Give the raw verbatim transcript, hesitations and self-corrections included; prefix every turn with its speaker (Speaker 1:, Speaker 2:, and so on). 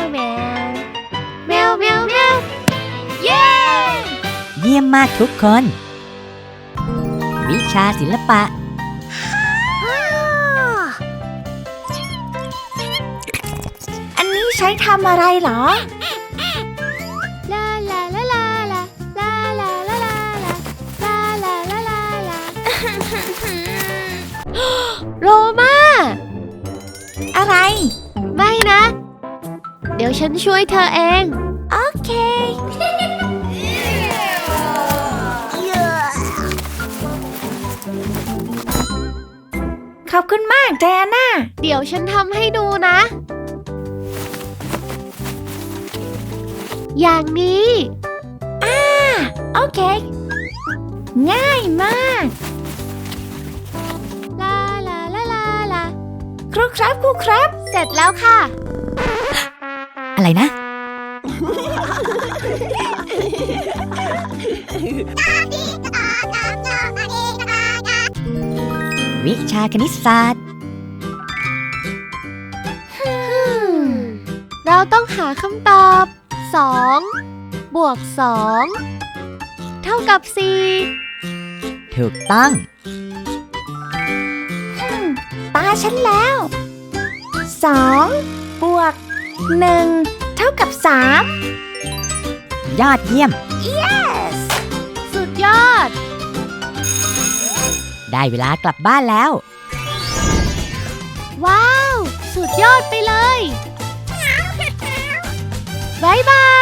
Speaker 1: แมวแมวแมวแมวเย้
Speaker 2: เยี่ยมมากทุกคน วิชาศิลปะ
Speaker 3: อันนี้ใช้ทำอะไรเหรอ
Speaker 1: ลาลาลาลาลาลาลาลาลาลาลาลาลาลาลาโรมา
Speaker 3: อะไร
Speaker 1: ไม่นะ เดี๋ยวฉันช่วยเธอเอง
Speaker 3: โอเค ขขอบคุณมากไดอาน่า
Speaker 1: เดี๋ยวฉันทำให้ดูนะ อย่างนี้
Speaker 3: อ่า โอเค ง่ายมาก
Speaker 1: ลาลาลาลาลา
Speaker 3: ครูครับครูครับ
Speaker 1: เสร็จแล้วค่ะ
Speaker 2: อะไรนะ วิชาคณิตศาสตร์
Speaker 1: เราต้องหาคำตอบ สอง บวก สอง เท่ากับ สี่
Speaker 2: ถูกต้อง
Speaker 3: ตาฉันแล้ว สอง บวก หนึ่ง เท่ากับ สาม
Speaker 2: ยอดเยี่ยม
Speaker 3: yes
Speaker 1: สุดยอด
Speaker 2: ได้เวลากลับบ้านแล้ว
Speaker 1: ว้าว สุดยอดไปเลย บ๊ายบาย